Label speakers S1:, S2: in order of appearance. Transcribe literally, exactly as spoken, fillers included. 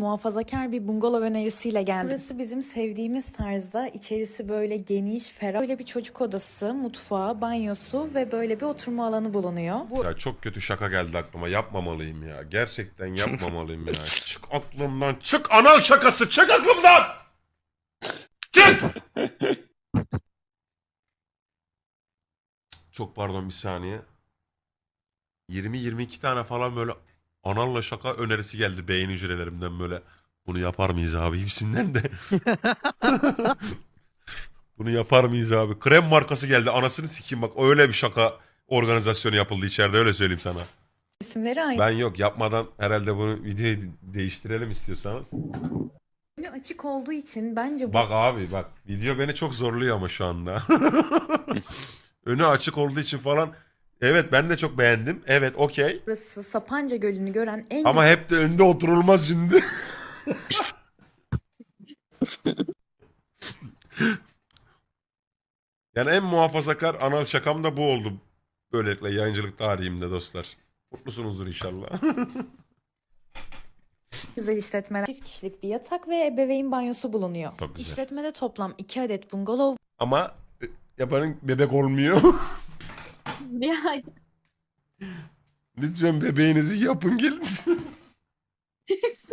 S1: muhafazakar bir bungalov önerisiyle geldim. Burası bizim sevdiğimiz tarzda. İçerisi böyle geniş, ferah. Böyle bir çocuk odası, mutfağı, banyosu ve böyle bir oturma alanı bulunuyor. Bu
S2: Ya çok kötü şaka geldi aklıma. Yapmamalıyım ya. Gerçekten yapmamalıyım ya. Çık aklımdan. Çık anal şakası. Çık aklımdan. Çık. Çok pardon bir saniye. yirmi yirmi iki tane falan böyle analla şaka önerisi geldi beyin hücrelerimden böyle. Bunu yapar mıyız abi hepsinden de. Bunu yapar mıyız abi? Krem markası geldi. Anasını sikeyim bak. Öyle bir şaka organizasyonu yapıldı içeride öyle söyleyeyim sana.
S1: isimleri aynı.
S2: Ben yok yapmadan herhalde bunu videoyu değiştirelim istiyorsanız.
S1: Önü açık olduğu için bence
S2: Bak abi bak video beni çok zorluyor ama şu anda. Önü açık olduğu için falan. Evet ben de çok beğendim. Evet okey.
S1: burası Sapanca Gölü'nü gören en
S2: Ama hep de önde oturulmaz şimdi. Yani en muhafazakar anal şakam da bu oldu. Böylelikle yayıncılık tarihimde dostlar. Mutlusunuzdur inşallah.
S1: güzel işletmeler. Çift kişilik bir yatak ve ebeveyn banyosu bulunuyor.
S2: Çok güzel.
S1: İşletmede toplam iki adet bungalov
S2: Ama e, yapanın bebek olmuyor.
S1: Ya
S2: Lütfen bebeğinizi yapın gelin.